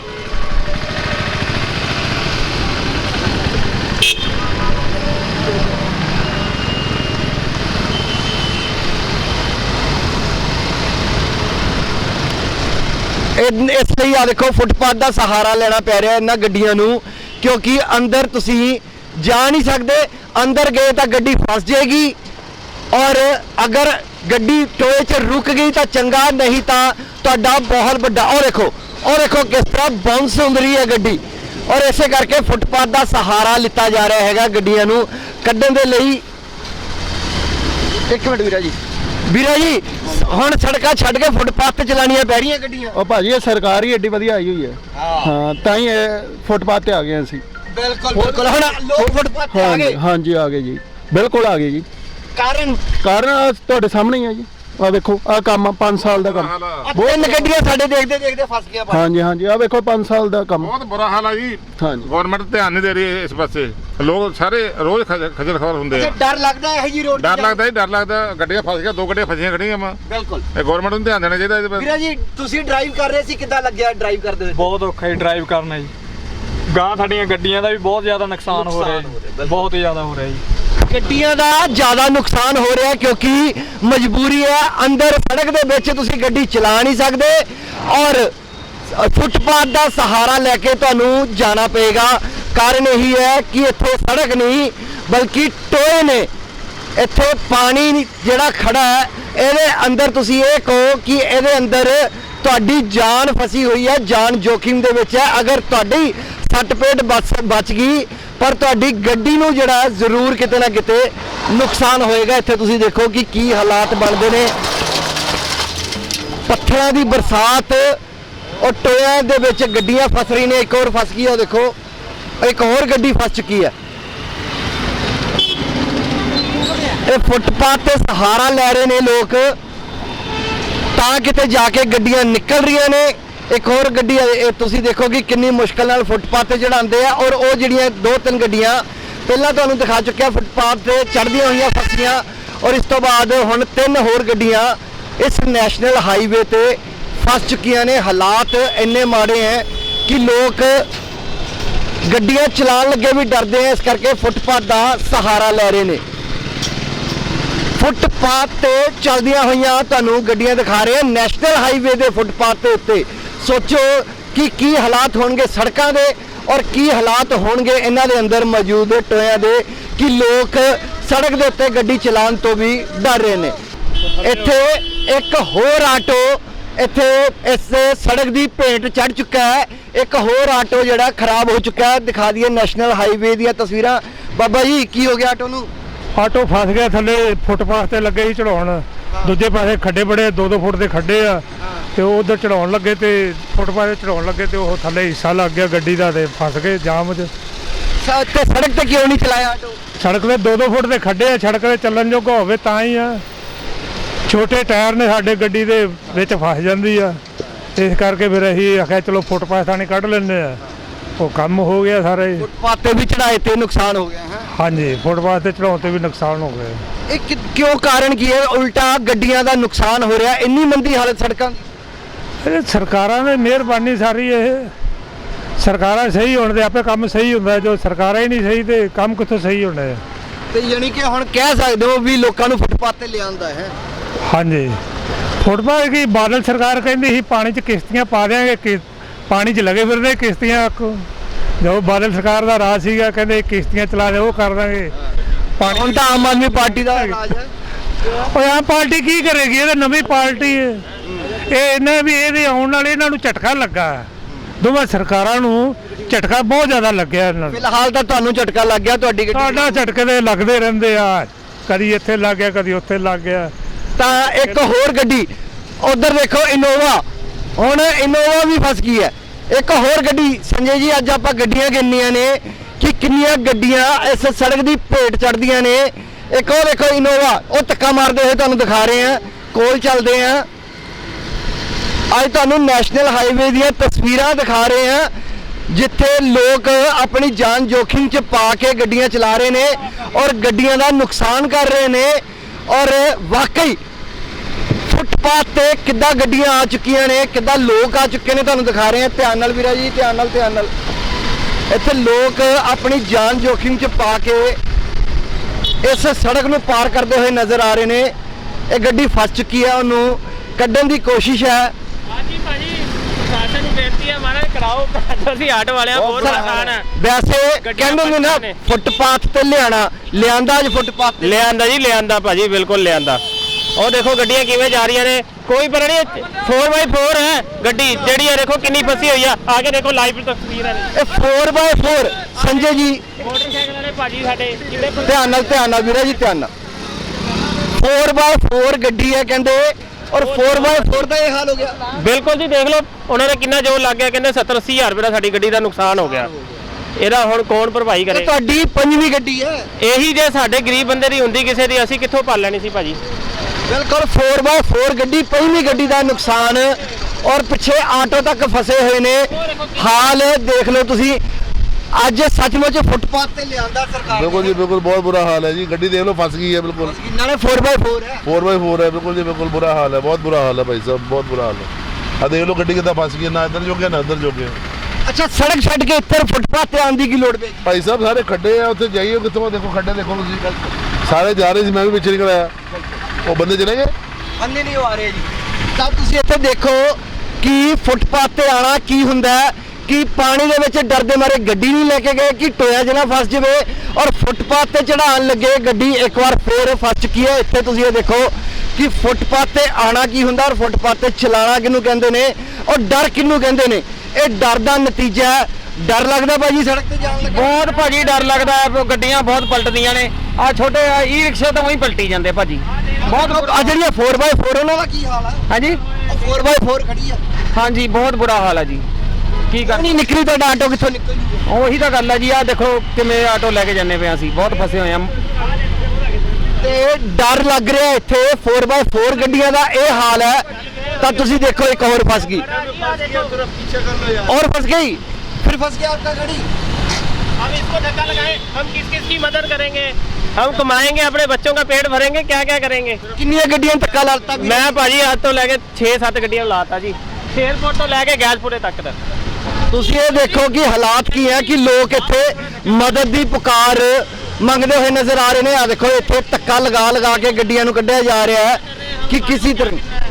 Speaker 1: ਇਹ- ਇਸ ਲਈ ਆ ਦੇਖੋ ਫੁੱਟਪਾਥ ਦਾ ਸਹਾਰਾ ਲੈਣਾ ਪੈ ਰਿਹਾ ਇਹਨਾਂ ਗੱਡੀਆਂ ਨੂੰ ਕਿਉਂਕਿ ਅੰਦਰ ਤੁਸੀਂ ਜਾ ਨਹੀਂ ਸਕਦੇ। ਅੰਦਰ ਗਏ ਤਾਂ ਗੱਡੀ ਫਸ ਜਾਏਗੀ ਔਰ ਅਗਰ ਗੱਡੀ ਟੋਏ 'ਚ ਰੁਕ ਗਈ ਤਾਂ ਚੰਗਾ, ਨਹੀਂ ਤਾਂ ਤੁਹਾਡਾ ਬਹੁਤ ਵੱਡਾ ਉਹ ਦੇਖੋ ਉਹ ਦੇਖੋ ਕਿਸ ਤਰ੍ਹਾਂ ਬਾਉਂਸ ਹੁੰਦ ਰਹੀ ਹੈ ਗੱਡੀ। ਔਰ ਇਸੇ ਕਰਕੇ ਫੁੱਟਪਾਥ ਦਾ ਸਹਾਰਾ ਲਿੱਤਾ ਜਾ ਰਿਹਾ ਹੈਗਾ ਗੱਡੀਆਂ ਨੂੰ ਕੱਢਣ ਦੇ ਲਈ। ਇੱਕ ਮਿੰਟ ਵੀਰਾ ਜੀ ਵੀਰਾ ਜੀ ਹੁਣ ਸੜਕਾਂ ਛੱਡ ਕੇ ਫੁੱਟਪਾਥ ਤੇ ਚਲਾਉਣੀਆਂ ਪੈ ਰਹੀਆਂ ਗੱਡੀਆਂ।
Speaker 9: ਉਹ ਭਾਜੀ ਇਹ ਸਰਕਾਰ ਹੀ ਏਡੀ ਵਧੀਆ ਆਈ ਹੋਈ ਹੈ। ਹਾਂ ਤਾਂ ਹੀ ਇਹ ਫੁੱਟਪਾਥ ਤੇ ਆ ਗਏ ਅਸੀਂ।
Speaker 1: ਬਿਲਕੁਲ ਬਿਲਕੁਲ ਹੁਣ ਲੋਕ ਫੁੱਟਪਾਥ ਤੇ ਆ
Speaker 9: ਹਾਂਜੀ
Speaker 1: ਗਏ।
Speaker 9: ਹਾਂਜੀ ਆ ਗਏ ਜੀ, ਬਿਲਕੁਲ ਆ ਗਏ ਜੀ।
Speaker 1: ਕਾਰਨ
Speaker 9: ਕਾਰਨ ਆਹ ਤੁਹਾਡੇ ਸਾਹਮਣੇ ਹੀ ਆ ਜੀ, ਆ ਵੇਖੋ ਆ ਕੰਮ ਪੰਜ ਸਾਲ ਦਾ ਕੰਮ।
Speaker 1: ਤਿੰਨ ਗੱਡੀਆਂ ਸਾਡੇ ਦੇਖਦੇ ਦੇਖਦੇ ਫਸ ਗਿਆ ਪਾਣੀ।
Speaker 9: ਹਾਂਜੀ ਹਾਂਜੀ ਆ ਵੇਖੋ ਪੰਜ ਸਾਲ ਦਾ ਕੰਮ।
Speaker 10: ਬਹੁਤ ਬੁਰਾ ਹਾਲ ਆ ਜੀ।
Speaker 9: ਹਾਂਜੀ
Speaker 10: ਗਵਰਨਮੈਂਟ ਧਿਆਨ ਨਹੀਂ ਦੇ ਰਹੀ ਇਸ ਪਾਸੇ, ਲੋਕ ਸਾਰੇ ਰੋਜ਼ ਖੱਜ- ਖੱਜਲ ਖਵਾਰ ਹੁੰਦੇ ਆ।
Speaker 1: ਡਰ ਲੱਗਦਾ ਹੈ ਇਹ ਜੀ ਰੋਡ
Speaker 10: ਡਰ ਲੱਗਦਾ ਜੀ, ਡਰ ਲੱਗਦਾ। ਗੱਡੀਆਂ ਫਸ ਗਿਆ, ਦੋ ਗੱਡੀਆਂ ਫਸੀਆਂ ਖੜੀਆਂ ਵਾ।
Speaker 1: ਬਿਲਕੁਲ
Speaker 10: ਇਹ ਗਵਰਨਮੈਂਟ ਨੂੰ ਧਿਆਨ ਦੇਣਾ ਚਾਹੀਦਾ ਇਹਦੇ
Speaker 1: ਵੀਰਾ ਜੀ ਤੁਸੀਂ ਡਰਾਈਵ ਕਰ ਰਹੇ ਸੀ, ਕਿੱਦਾਂ ਲੱਗਿਆ ਡਰਾਈਵ ਕਰਦੇ ਹੋਏ?
Speaker 11: ਬਹੁਤ ਔਖਾ ਹੈ ਡਰਾਈਵ ਕਰਨਾ ਜੀ। ਗਾਂ ਸਾਡੀਆਂ ਗੱਡੀਆਂ ਦਾ ਵੀ ਬਹੁਤ ਜ਼ਿਆਦਾ ਨੁਕਸਾਨ ਹੋ ਰਿਹਾ ਜੀ, ਬਹੁਤ ਜ਼ਿਆਦਾ ਹੋ ਰਿਹਾ ਜੀ।
Speaker 1: ਗੱਡੀਆਂ ਦਾ ਜ਼ਿਆਦਾ ਨੁਕਸਾਨ ਹੋ ਰਿਹਾ ਕਿਉਂਕਿ ਮਜਬੂਰੀ ਹੈ, ਅੰਦਰ ਸੜਕ ਦੇ ਵਿੱਚ ਤੁਸੀਂ ਗੱਡੀ ਚਲਾ ਨਹੀਂ ਸਕਦੇ ਔਰ ਫੁੱਟਪਾਥ ਦਾ ਸਹਾਰਾ ਲੈ ਕੇ ਤੁਹਾਨੂੰ ਜਾਣਾ ਪਏਗਾ। ਕਾਰਨ ਇਹੀ ਹੈ ਕਿ ਇੱਥੇ ਸੜਕ ਨਹੀਂ ਬਲਕਿ ਟੋਏ ਨੇ। ਇੱਥੇ ਪਾਣੀ ਜਿਹੜਾ ਖੜਾ ਹੈ ਇਹਦੇ ਅੰਦਰ ਤੁਸੀਂ ਇਹ ਕਹੋ ਕਿ ਇਹਦੇ ਅੰਦਰ ਤੁਹਾਡੀ ਜਾਨ ਫਸੀ ਹੋਈ ਹੈ, ਜਾਨ ਜੋਖਿਮ ਦੇ ਵਿੱਚ ਹੈ। ਅਗਰ ਤੁਹਾਡੀ ਸੱਟ ਪੇਟ ਬਚ ਬਚ ਗਈ ਪਰ ਤੁਹਾਡੀ ਗੱਡੀ ਨੂੰ ਜਿਹੜਾ ਜ਼ਰੂਰ ਕਿਤੇ ਨਾ ਕਿਤੇ ਨੁਕਸਾਨ ਹੋਏਗਾ। ਇੱਥੇ ਤੁਸੀਂ ਦੇਖੋ ਕਿ ਕੀ ਹਾਲਾਤ ਬਣਦੇ ਨੇ, ਪੱਥਰਾਂ ਦੀ ਬਰਸਾਤ ਔਰ ਟੋਇਆਂ ਦੇ ਵਿੱਚ ਗੱਡੀਆਂ ਫਸ ਰਹੀਆਂ ਨੇ। ਇੱਕ ਹੋਰ ਫਸ ਗਈ ਉਹ ਦੇਖੋ, ਇੱਕ ਹੋਰ ਗੱਡੀ ਫਸ ਚੁੱਕੀ ਹੈ। ਇਹ ਫੁੱਟਪਾਥ ਤੇ ਸਹਾਰਾ ਲੈ ਰਹੇ ਨੇ ਲੋਕ ਤਾਂ ਕਿਤੇ ਜਾ ਕੇ ਗੱਡੀਆਂ ਨਿਕਲ ਰਹੀਆਂ ਨੇ। ਇੱਕ ਹੋਰ ਗੱਡੀ ਹੈ, ਇਹ ਤੁਸੀਂ ਦੇਖੋ ਕਿ ਕਿੰਨੀ ਮੁਸ਼ਕਲ ਨਾਲ ਫੁੱਟਪਾਥ ਤੇ ਚੜਾਉਂਦੇ ਆ ਔਰ ਉਹ ਜਿਹੜੀਆਂ ਦੋ ਤਿੰਨ ਗੱਡੀਆਂ ਪਹਿਲਾਂ ਤੁਹਾਨੂੰ ਦਿਖਾ ਚੁੱਕਿਆ ਫੁੱਟਪਾਥ ਤੇ ਚੜ੍ਹਦੀਆਂ ਹੋਈਆਂ ਫਸੀਆਂ ਔਰ ਇਸ ਤੋਂ ਬਾਅਦ ਹੁਣ ਤਿੰਨ ਹੋਰ ਗੱਡੀਆਂ ਇਸ ਨੈਸ਼ਨਲ ਹਾਈਵੇ ਤੇ ਫਸ ਚੁੱਕੀਆਂ ਨੇ। ਹਾਲਾਤ ਇੰਨੇ ਮਾੜੇ ਹੈ ਕਿ ਲੋਕ ਗੱਡੀਆਂ ਚਲਾਉਣ ਲੱਗੇ ਵੀ ਡਰਦੇ ਆ, ਇਸ ਕਰਕੇ ਫੁੱਟਪਾਥ ਦਾ ਸਹਾਰਾ ਲੈ ਰਹੇ ਨੇ। ਫੁੱਟਪਾਥ ਤੇ ਚੱਲਦੀਆਂ ਹੋਈਆਂ ਤੁਹਾਨੂੰ ਗੱਡੀਆਂ ਦਿਖਾ ਰਹੇ ਆ ਨੈਸ਼ਨਲ ਹਾਈਵੇ ਦੇ ਫੁੱਟਪਾਥ ਦੇ ਉੱਤੇ। ਸੋਚੋ ਕਿ ਕੀ ਹਾਲਾਤ ਹੋਣਗੇ ਸੜਕਾਂ ਦੇ ਔਰ ਕੀ ਹਾਲਾਤ ਹੋਣਗੇ ਇਹਨਾਂ ਦੇ ਅੰਦਰ ਮੌਜੂਦ ਟੋਇਆਂ ਦੇ ਕਿ ਲੋਕ ਸੜਕ ਦੇ ਉੱਤੇ ਗੱਡੀ ਚਲਾਉਣ ਤੋਂ ਵੀ ਡਰ ਰਹੇ ਨੇ। ਇੱਥੇ ਇੱਕ ਹੋਰ ਆਟੋ ਇੱਥੇ ਇਸ ਸੜਕ ਦੀ ਭੇਟ ਚੜ ਚੁੱਕਾ ਹੈ। ਇੱਕ ਹੋਰ ਆਟੋ ਜਿਹੜਾ ਖਰਾਬ ਹੋ ਚੁੱਕਾ ਹੈ, ਦਿਖਾ ਦਈਏ ਨੈਸ਼ਨਲ ਹਾਈਵੇ ਦੀਆਂ ਤਸਵੀਰਾਂ। ਬਾਬਾ ਜੀ ਕੀ ਹੋ ਗਿਆ ਆਟੋ ਨੂੰ?
Speaker 4: ਆਟੋ ਫਸ ਗਿਆ ਥੱਲੇ ਫੁੱਟਪਾਥ ਤੇ ਲੱਗੇ ਸੀ ਚੜਾਉਣ, ਦੂਜੇ ਪਾਸੇ ਖੱਡੇ ਬੜੇ ਦੋ ਦੋ ਫੁੱਟ ਦੇ ਖੱਡੇ ਆ ਤੇ ਉਹ ਉਧਰ ਚੜਾਉਣ ਲੱਗੇ ਤੇ ਫੁੱਟਪਾਥ ਤੇ ਚੜਾਉਣ ਲੱਗੇ ਤੇ ਉਹ ਥੱਲੇ ਹਿੱਸਾ ਲੱਗ ਗਿਆ ਗੱਡੀ ਦਾ ਤੇ ਫਸ ਗਏ ਜਾਮ 'ਚ।
Speaker 1: ਤੇ ਸੜਕ ਤੇ ਕਿਉਂ ਨਹੀਂ ਚਲਾਇਆ ਆਟੋ?
Speaker 4: ਸੜਕ ਦੇ ਦੋ ਦੋ ਫੁੱਟ ਦੇ ਖੱਡੇ ਆ, ਸੜਕ ਤੇ ਚੱਲਣ ਜੋਗਾ ਹੋਵੇ ਤਾਂ ਹੀ ਆ। ਛੋਟੇ ਟਾਇਰ ਨੇ ਸਾਡੇ ਗੱਡੀ ਦੇ ਵਿੱਚ ਫਸ ਜਾਂਦੀ ਆ, ਇਸ ਕਰਕੇ ਫਿਰ ਅਸੀਂ ਆਖਿਆ ਚਲੋ ਫੁੱਟਪਾਥ ਥਾਣੀ ਕੱਢ ਲੈਂਦੇ ਆ। ਉਹ ਕੰਮ ਹੋ ਗਿਆ ਸਾਰੇ।
Speaker 1: ਫੁੱਟਪਾਥ ਤੇ ਵੀ ਚੜਾਏ ਤੇ ਨੁਕਸਾਨ ਹੋ ਗਿਆ ਹੈ।
Speaker 4: ਹਾਂਜੀ ਫੁੱਟਪਾਥ ਤੇ ਚੜਾਉਣ ਤੇ ਵੀ ਨੁਕਸਾਨ ਹੋ ਗਿਆ।
Speaker 1: ਇਹ ਕਿ- ਕਿਉਂ ਕਾਰਨ ਕੀ ਹੈ? ਉਲਟਾ ਗੱਡੀਆਂ ਦਾ ਨੁਕਸਾਨ ਹੋ ਰਿਹਾ, ਇੰਨੀ ਮੰਦੀ ਹਾਲਤ ਸੜਕਾਂ ਦੀ।
Speaker 4: ਇਹ ਸਰਕਾਰਾਂ ਦੀ ਮਿਹਰਬਾਨੀ ਸਾਰੀ। ਇਹ ਸਰਕਾਰਾਂ ਸਹੀ ਹੋਣ ਦੇ ਆਪੇ ਕੰਮ ਸਹੀ ਹੁੰਦਾ, ਜੋ ਸਰਕਾਰਾਂ ਹੀ ਨਹੀਂ ਸਹੀ ਤੇ ਕੰਮ ਕਿੱਥੋਂ ਸਹੀ ਹੋਣਾ ਹੈ।
Speaker 1: ਤੇ ਯਾਨੀ ਕਿ ਹੁਣ ਕਹਿ ਸਕਦੇ ਹੋ ਵੀ ਲੋਕਾਂ ਨੂੰ ਫੁੱਟਪਾਥ ਤੇ ਲਿਆਂਦਾ ਹੈ।
Speaker 4: ਹਾਂਜੀ ਫੁੱਟਪਾਥ ਕੀ ਬਾਦਲ ਸਰਕਾਰ ਕਹਿੰਦੀ ਸੀ ਪਾਣੀ 'ਚ ਕਿਸ਼ਤੀਆਂ ਪਾ ਦਿਆਂਗੇ, ਕਿ ਪਾਣੀ 'ਚ ਲੱਗੇ ਫਿਰਦੇ ਕਿਸ਼ਤੀਆਂ। ਜੋ ਬਾਦਲ ਸਰਕਾਰ ਦਾ ਰਾਜ ਸੀਗਾ ਕਹਿੰਦੇ ਕਿਸ਼ਤੀਆਂ ਚਲਾ ਦੇ ਉਹ ਕਰ ਦਾਂਗੇ ਪਾਣੀ।
Speaker 1: ਹੁਣ ਤਾਂ ਆਮ ਆਦਮੀ ਪਾਰਟੀ ਦਾ ਰਾਜ ਹੈ।
Speaker 4: ਉਹ ਆਮ ਪਾਰਟੀ ਕੀ ਕਰੇਗੀ? ਇਹ ਤਾਂ ਨਵੀਂ ਪਾਰਟੀ ਹੈ। ਇਹ ਇਹਨੇ ਵੀ ਇਹਦੇ ਆਉਣ ਨਾਲ ਇਹਨਾਂ ਨੂੰ ਝਟਕਾ ਲੱਗਾ, ਦੋਵਾਂ ਸਰਕਾਰਾਂ ਨੂੰ ਝਟਕਾ ਬਹੁਤ ਜ਼ਿਆਦਾ ਲੱਗਿਆ ਇਹਨਾਂ ਨੂੰ।
Speaker 1: ਫਿਲਹਾਲ ਤਾਂ ਤੁਹਾਨੂੰ ਝਟਕਾ ਲੱਗ ਗਿਆ, ਤੁਹਾਡੀ ਗੱਡੀ
Speaker 4: ਸਾਡਾ ਝਟਕੇ ਦੇ ਲੱਗਦੇ ਰਹਿੰਦੇ ਆ, ਕਦੀ ਇੱਥੇ ਲੱਗ ਗਿਆ ਕਦੀ ਉੱਥੇ ਲੱਗ ਗਿਆ।
Speaker 1: ਤਾਂ ਇੱਕ ਹੋਰ ਗੱਡੀ ਉਧਰ ਦੇਖੋ ਇਨੋਵਾ, ਹੁਣ ਇਨੋਵਾ ਵੀ ਫਸ ਗਈ ਹੈ। ਇੱਕ ਹੋਰ ਗੱਡੀ ਸੰਜੇ ਜੀ ਅੱਜ ਆਪਾਂ ਗੱਡੀਆਂ ਗਿਣਨੀਆਂ ਨੇ ਕਿ ਕਿੰਨੀਆਂ ਗੱਡੀਆਂ ਇਸ ਸੜਕ ਦੀ ਭੇਟ ਚੜ੍ਹਦੀਆਂ ਨੇ। ਇੱਕ ਉਹ ਦੇਖੋ ਇਨੋਵਾ, ਉਹ ਧੱਕਾ ਮਾਰਦੇ ਹੋਏ ਤੁਹਾਨੂੰ ਦਿਖਾ ਰਹੇ ਆ, ਕੋਲ ਚੱਲਦੇ ਆ। ਅੱਜ ਤੁਹਾਨੂੰ ਨੈਸ਼ਨਲ ਹਾਈਵੇ ਦੀਆਂ ਤਸਵੀਰਾਂ ਦਿਖਾ ਰਹੇ ਆ ਜਿੱਥੇ ਲੋਕ ਆਪਣੀ ਜਾਨ ਜੋਖਿਮ 'ਚ ਪਾ ਕੇ ਗੱਡੀਆਂ ਚਲਾ ਰਹੇ ਨੇ ਔਰ ਗੱਡੀਆਂ ਦਾ ਨੁਕਸਾਨ ਕਰ ਰਹੇ ਨੇ। ਔਰ ਵਾਕਈ ਫੁੱਟਪਾਥ ਤੇ ਕਿੱਦਾਂ ਗੱਡੀਆਂ ਆ ਚੁੱਕੀਆਂ ਨੇ, ਕਿੱਦਾਂ ਲੋਕ ਆ ਚੁੱਕੇ ਨੇ, ਤੁਹਾਨੂੰ ਦਿਖਾ ਰਹੇ ਆ। ਧਿਆਨ ਨਾਲ ਵੀਰਾ ਜੀ, ਧਿਆਨ ਨਾਲ ਧਿਆਨ ਨਾਲ। ਇੱਥੇ ਲੋਕ ਆਪਣੀ ਜਾਨ ਜੋਖਿਮ 'ਚ ਪਾ ਕੇ ਇਸ ਸੜਕ ਨੂੰ ਪਾਰ ਕਰਦੇ ਹੋਏ ਨਜ਼ਰ ਆ ਰਹੇ ਨੇ। ਇਹ ਗੱਡੀ ਫਸ ਚੁੱਕੀ ਹੈ, ਉਹਨੂੰ ਕੱਢਣ ਦੀ ਕੋਸ਼ਿਸ਼ ਹੈ।
Speaker 5: ਹਾਂਜੀ ਭਾਜੀ ਪ੍ਰਸ਼ਾਸਨ ਨੂੰ ਬੇਨਤੀ ਹੈ ਮਾਰਾ ਕਰਾਓ, ਅਸੀਂ ਆਟੋ ਵਾਲਿਆਂ ਬਹੁਤ ਨੁਕਸਾਨ ਹੈ।
Speaker 1: ਵੈਸੇ ਕਹਿੰਦੇ ਨੇ ਨਾ ਫੁੱਟਪਾਥ ਤੇ ਲਿਆਣਾ, ਲਿਆਂਦਾ ਅੱਜ ਫੁੱਟਪਾਥ ਤੇ
Speaker 5: ਲਿਆਂਦਾ ਜੀ, ਲਿਆਂਦਾ ਭਾਜੀ, ਬਿਲਕੁਲ ਲਿਆਂਦਾ। ਉਹ ਦੇਖੋ ਗੱਡੀਆਂ ਕਿਵੇਂ ਜਾ ਰਹੀਆਂ ਨੇ, ਕੋਈ ਪਰ ਨਹੀਂ। ਫੋਰ ਬਾਈ ਫੋਰ ਹੈ ਗੱਡੀ ਜਿਹੜੀ ਹੈ, ਦੇਖੋ ਕਿੰਨੀ ਫਸੀ ਹੋਈ ਆ। ਆ ਕੇ ਦੇਖੋ ਲਾਈਵ ਤਸਵੀਰ ਹੈ।
Speaker 1: ਇਹ ਫੋਰ ਬਾਏ ਫੋਰ ਸੰਜੇ ਜੀ
Speaker 5: ਮੋਟਰਸਾਈਕਲ ਵਾਲੇ ਭਾਜੀ ਸਾਡੇ ਜਿਹੜੇ
Speaker 1: ਧਿਆਨ ਨਾਲ ਧਿਆਨ ਨਾਲ ਵੀਰਾ ਜੀ ਧਿਆਨ ਨਾਲ। ਫੋਰ ਬਾਏ ਫੋਰ ਗੱਡੀ ਹੈ ਕਹਿੰਦੇ ਔਰ ਫੋਰ ਬਾਏ ਫੋਰ ਦਾ ਇਹ ਹਾਲ ਹੋ ਗਿਆ।
Speaker 5: ਬਿਲਕੁਲ ਜੀ, ਦੇਖ ਲਓ ਉਹਨਾਂ ਦਾ ਕਿੰਨਾ ਜ਼ੋਰ ਲੱਗ ਗਿਆ। ਕਹਿੰਦੇ ਸੱਤਰ ਅੱਸੀ ਹਜ਼ਾਰ ਰੁਪਏ ਦਾ ਸਾਡੀ ਗੱਡੀ ਦਾ ਨੁਕਸਾਨ ਹੋ ਗਿਆ। ਇਹਦਾ ਹੁਣ ਕੌਣ ਭਰਪਾਈ ਕਰੇ?
Speaker 1: ਤੁਹਾਡੀ ਪੰਜਵੀਂ ਗੱਡੀ ਹੈ।
Speaker 5: ਇਹੀ ਜੇ ਸਾਡੇ ਗਰੀਬ ਬੰਦੇ ਦੀ ਹੁੰਦੀ ਕਿਸੇ ਦੀ, ਅਸੀਂ ਕਿੱਥੋਂ ਪਾਲ ਲੈਣੀ ਸੀ ਭਾਜੀ।
Speaker 1: ਬਿਲਕੁਲ ਫੋਰ ਬਾਏ ਫੋਰ ਗੱਡੀ, ਪੰਜਵੀਂ ਗੱਡੀ ਦਾ ਨੁਕਸਾਨ ਔਰ ਪਿੱਛੇ ਆਟੋ ਤੱਕ ਫਸੇ ਹੋਏ ਨੇ। ਹਾਲ ਦੇਖ ਲਓ ਤੁਸੀਂ। ਅੱਜ ਸੱਚਮੁੱਚ ਫੁੱਟਪਾਥ ਤੇ ਲਿਆਂਦਾ ਸਰਕਾਰ।
Speaker 12: बिल्कुल जी बिल्कुल बहुत बुरा हाल है जी, गड्डी देख लो फंस गई है बिल्कुल।
Speaker 1: नाले फोर बाय फोर है,
Speaker 12: फोर बाई फोर है बिल्कुल जी बिल्कुल बुरा हाल है, बहुत बुरा हाल है भाई साहब, बहुत बुरा हाल है। आ देख लो गड्डी कितना फंस गई है, ना इधर जोगे ना इधर जोगे।
Speaker 1: अच्छा सड़क छड़ के इधर फुटपाथ ते आंदी की लोड़ पे
Speaker 12: भाई साहब सारे खड्डे हैं, उत्थे जाइए कितों देखो खड्डे देखो तुसीं, सारे जा रहे थे, मैं भी पीछे निकल आया, वो बंदे चले गए,
Speaker 1: बंदे नहीं आ रहे जी। ਤਾਂ ਤੁਸੀਂ ਇੱਥੇ ਦੇਖੋ ਕਿ ਫੁੱਟਪਾਥ ਤੇ ਆਣਾ ਕੀ ਹੁੰਦਾ ਹੈ ਕਿ ਪਾਣੀ ਦੇ ਵਿੱਚ ਡਰਦੇ ਮਾਰੇ ਗੱਡੀ ਨਹੀਂ ਲੈ ਕੇ ਗਏ ਕਿ ਟੋਇਆ ਜਨਾ ਫਸ ਜਾਵੇ ਔਰ ਫੁੱਟਪਾਥ ਤੇ ਚੜਾਉਣ ਲੱਗੇ ਗੱਡੀ ਇੱਕ ਵਾਰ ਫੇਰ ਫਸ ਚੁੱਕੀ ਹੈ। ਇੱਥੇ ਤੁਸੀਂ ਇਹ ਦੇਖੋ ਕਿ ਫੁੱਟਪਾਥ ਤੇ ਆਣਾ ਕੀ ਹੁੰਦਾ ਔਰ ਫੁੱਟਪਾਥ ਤੇ ਚਲਾਣਾ ਕਿਹਨੂੰ ਕਹਿੰਦੇ ਨੇ ਔਰ ਡਰ ਕਿਹਨੂੰ ਕਹਿੰਦੇ ਨੇ। ਇਹ ਡਰ ਦਾ ਨਤੀਜਾ ਹੈ। ਡਰ ਲੱਗਦਾ ਭਾਜੀ ਸੜਕ ਤੇ ਜਾਣ ਲੱਗਾ?
Speaker 3: ਬਹੁਤ ਭਾਜੀ ਡਰ ਲੱਗਦਾ ਹੈ, ਗੱਡੀਆਂ ਬਹੁਤ ਪਲਟਦੀਆਂ ਨੇ। ਆ ਛੋਟੇ ਈ ਰਿਕਸ਼ੇ ਤਾਂ ਉਹੀ ਪਲਟੀ ਜਾਂਦੇ ਭਾਜੀ।
Speaker 1: ਬਹੁਤ ਆ ਜਿਹੜੀਆਂ ਫੋਰ ਬਾਏ ਫੋਰ ਉਹਨਾਂ ਦਾ ਕੀ ਹਾਲ ਹੈ?
Speaker 3: ਹਾਂਜੀ
Speaker 1: ਫੋਰ ਬਾਏ ਫੋਰ ਖੜੀ ਆ।
Speaker 3: ਹਾਂਜੀ ਬਹੁਤ ਬੁਰਾ ਹਾਲ ਹੈ ਜੀ। ਕੀ ਕਰ
Speaker 1: ਨਹੀਂ ਨਿਕਲੀ ਤੁਹਾਡਾ ਆਟੋ ਕਿੱਥੋਂ ਨਿਕਲ ਜੂਗਾ?
Speaker 3: ਉਹੀ ਤਾਂ ਗੱਲ ਹੈ ਜੀ। ਆ ਦੇਖੋ ਕਿਵੇਂ ਆਟੋ ਲੈ ਕੇ ਜਾਂਦੇ ਪਏ ਅਸੀਂ, ਬਹੁਤ ਫਸੇ ਹੋਏ ਆ।
Speaker 1: ਤੇ ਡਰ ਲੱਗ ਰਿਹਾ ਇੱਥੇ फोर बाय फोर ਗੱਡੀਆਂ ਦਾ ਇਹ ਹਾਲ ਹੈ ਤਾਂ ਤੁਸੀਂ ਦੇਖੋ ਇੱਕ ਹੋਰ फंस गई और फंस गई फिर फंस गया आपका गाड़ी।
Speaker 5: हम इसको धक्का लगाए, हम किस किस की मदद करेंगे? हम कमाएंगे, अपने बच्चों का पेट भरेंगे, क्या क्या करेंगे?
Speaker 1: कितनी ਗੱਡੀਆਂ ਧੱਕਾ ਲਾਤਾ ਵੀ?
Speaker 5: मैं भाजी आज तो लेके छह सात गड्डियां लाता जी, एयरपोर्ट तो लेके गैसपुरे तक तक।
Speaker 1: ਤੁਸੀਂ ਇਹ ਦੇਖੋ ਕਿ ਹਾਲਾਤ ਕੀ ਹੈ ਕਿ ਲੋਕ ਇੱਥੇ ਮਦਦ ਦੀ ਪੁਕਾਰ ਮੰਗਦੇ ਹੋਏ ਨਜ਼ਰ ਆ ਰਹੇ ਨੇ। ਆ ਦੇਖੋ ਇੱਥੇ ਧੱਕਾ ਲਗਾ ਲਗਾ ਕੇ ਗੱਡੀਆਂ ਨੂੰ ਕੱਢਿਆ ਜਾ ਰਿਹਾ ਹੈ ਕਿ ਕਿਸੇ ਤਰ੍ਹਾਂ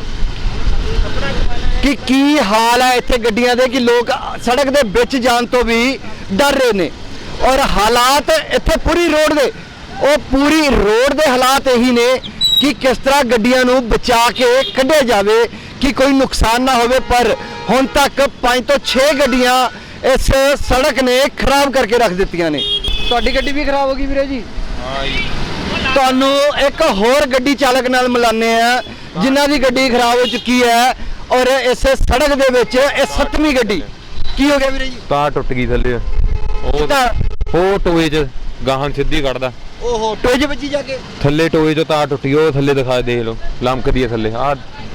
Speaker 1: ਕਿ ਕੀ ਹਾਲ ਹੈ ਇੱਥੇ ਗੱਡੀਆਂ ਦੇ ਕਿ ਲੋਕ ਸੜਕ ਦੇ ਵਿੱਚ ਜਾਣ ਤੋਂ ਵੀ ਡਰ ਰਹੇ ਨੇ। ਔਰ ਹਾਲਾਤ ਇੱਥੇ ਪੂਰੀ ਰੋਡ ਦੇ ਉਹ ਪੂਰੀ ਰੋਡ ਦੇ ਹਾਲਾਤ ਇਹੀ ਨੇ ਕਿ ਕਿਸ ਤਰ੍ਹਾਂ ਗੱਡੀਆਂ ਨੂੰ ਬਚਾ ਕੇ ਕੱਢਿਆ ਜਾਵੇ ਕਿ ਕੋਈ ਨੁਕਸਾਨ ਨਾ ਹੋਵੇ। ਪਰ ਹੁਣ ਤੱਕ ਪੰਜ ਤੋਂ ਛੇ ਗੱਡੀਆਂ ਇਸ ਸੜਕ ਨੇ ਖਰਾਬ ਕਰਕੇ ਰੱਖ ਦਿੱਤੀਆਂ ਨੇ। ਤੁਹਾਡੀ ਗੱਡੀ ਵੀ ਖਰਾਬ ਹੋ ਗਈ ਵੀਰੇ ਜੀ?
Speaker 6: ਹਾਂ ਜੀ।
Speaker 1: ਤੁਹਾਨੂੰ ਇੱਕ ਹੋਰ ਗੱਡੀ ਚਾਲਕ ਨਾਲ ਮਿਲਾਨੇ ਆ ਜਿਨ੍ਹਾਂ ਦੀ ਗੱਡੀ ਖਰਾਬ ਹੋ ਚੁੱਕੀ ਹੈ ਔਰ ਇਸ ਸੜਕ ਦੇ ਵਿੱਚ ਇਹ ਸੱਤਵੀਂ ਗੱਡੀ। ਕੀ ਹੋ ਗਿਆ ਵੀਰੇ ਜੀ?
Speaker 13: ਤਾਰ ਟੁੱਟ ਗਈ ਥੱਲੇ ਉਹ ਉਹ ਟੋਏ 'ਚ ਗਾਹਾਂ ਸਿੱਧੀ ਕੱਢਦਾ।
Speaker 1: ਓਹੋ ਟੋਏ 'ਚ ਵੱਜੀ ਜਾ ਕੇ
Speaker 13: ਥੱਲੇ ਟੋਏ 'ਚੋਂ ਤਾਰ ਟੁੱਟੀ ਉਹ ਥੱਲੇ ਦਿਖਾ ਦੇਖ ਲਓ ਲਮਕਦੀ ਹੈ ਥੱਲੇ। ਆ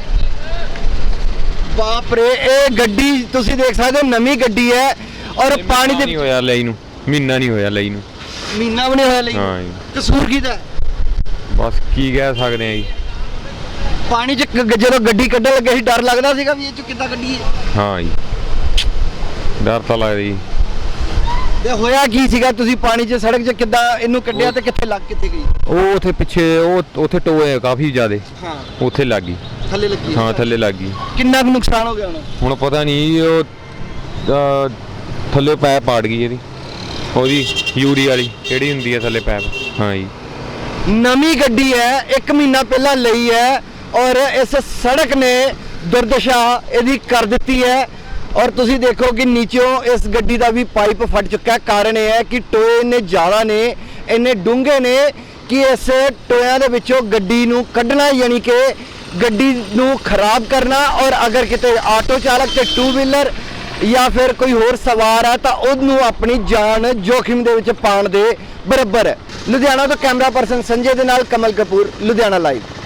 Speaker 1: ਬਾਪ ਰੇ ਇਹ ਗੱਡੀ ਤੁਸੀਂ ਦੇਖ ਸਕਦੇ ਹੋ ਨਵੀਂ ਗੱਡੀ ਹੈ ਔਰ ਪਾਣੀ ਦੇ
Speaker 13: ਨਹੀਂ ਹੋਇਆ ਲਈ ਨੂੰ ਮਹੀਨਾ ਨਹੀਂ ਹੋਇਆ ਲਈ ਨੂੰ
Speaker 1: ਮਹੀਨਾ ਵੀ ਨਹੀਂ ਹੋਇਆ ਲਈ।
Speaker 13: ਹਾਂ ਜੀ।
Speaker 1: ਕਸੂਰ ਕਿਹਦਾ?
Speaker 13: ਬਸ ਕੀ ਕਹਿ ਸਕਦੇ ਆ ਜੀ।
Speaker 1: ਪਾਣੀ 'ਚ ਗ- ਜਦੋਂ ਗੱਡੀ ਕੱਢਣ ਲੱਗੇ ਸੀ ਡਰ ਲੱਗਦਾ ਸੀਗਾ ਵੀ ਇਹ 'ਚ ਕਿੱਦਾਂ ਗੱਡੀ ਹੈ।
Speaker 13: ਹਾਂ ਜੀ ਡਰ ਤਾਂ ਲੱਗਦਾ ਜੀ।
Speaker 1: ਤੇ ਹੋਇਆ ਕੀ ਸੀਗਾ ਤੁਸੀਂ ਪਾਣੀ 'ਚ ਸੜਕ 'ਚ ਕਿੱਦਾਂ ਇਹਨੂੰ ਕੱਢਿਆ ਤੇ ਕਿੱਥੇ ਲੱਗ ਕਿੱਥੇ ਗਈ?
Speaker 13: ਉਹ ਉੱਥੇ ਪਿੱਛੇ ਉਹ ਉੱਥੇ ਟੋਏ ਆ ਕਾਫੀ ਜ਼ਿਆਦੇ
Speaker 1: ਹਾਂ
Speaker 13: ਉੱਥੇ ਲੱਗ ਗਈ।
Speaker 1: ਥੱਲੇ ਲੱਗੀ
Speaker 13: ਹਾਂ ਥੱਲੇ ਲੱਗ ਗਈ।
Speaker 1: ਕਿੰਨਾ ਕੁ ਨੁਕਸਾਨ ਹੋ ਗਿਆ ਹੁਣ?
Speaker 13: ਹੁਣ ਪਤਾ ਨਹੀਂ ਉਹ ਅਹ, ਥੱਲੇ ਪੈਪ ਪਾੜ ਗਈ ਇਹਦੀ ਉਹਦੀ ਯੂਰੀ ਵਾਲੀ ਕਿਹੜੀ ਹੁੰਦੀ ਹੈ ਥੱਲੇ ਪੈਪ। ਹਾਂ ਜੀ
Speaker 1: ਨਵੀਂ ਗੱਡੀ ਹੈ ਇੱਕ ਮਹੀਨਾ ਪਹਿਲਾਂ ਲਈ ਹੈ ਔਰ ਇਸ ਸੜਕ ਨੇ ਦੁਰਦਸ਼ਾ ਇਹਦੀ ਕਰ ਦਿੱਤੀ ਹੈ। ਔਰ ਤੁਸੀਂ ਦੇਖੋ ਕਿ ਨੀਚੋਂ ਇਸ ਗੱਡੀ ਦਾ ਵੀ ਪਾਈਪ ਫਟ ਚੁੱਕਾ। ਕਾਰਨ ਇਹ ਹੈ ਕਿ ਟੋਏ ਇੰਨੇ ਜ਼ਿਆਦਾ ਨੇ ਇੰਨੇ ਡੂੰਘੇ ਨੇ ਕਿ ਇਸ ਟੋਇਆਂ ਦੇ ਵਿੱਚੋਂ ਗੱਡੀ ਨੂੰ ਕੱਢਣਾ ਯਾਨੀ ਕਿ ਗੱਡੀ ਨੂੰ ਖਰਾਬ ਕਰਨਾ ਔਰ ਅਗਰ ਕਿਤੇ ਆਟੋ ਚਾਲਕ ਤੇ ਟੂ ਵੀਲਰ ਜਾਂ ਫਿਰ ਕੋਈ ਹੋਰ ਸਵਾਰ ਹੈ ਤਾਂ ਉਹਨੂੰ ਆਪਣੀ ਜਾਨ ਜੋਖਿਮ ਦੇ ਵਿੱਚ ਪਾਉਣ ਦੇ ਬਰਾਬਰ ਹੈ। ਲੁਧਿਆਣਾ ਤੋਂ ਕੈਮਰਾ ਪਰਸਨ ਸੰਜੇ ਦੇ ਨਾਲ ਕਮਲ ਕਪੂਰ, ਲੁਧਿਆਣਾ ਲਾਈਵ।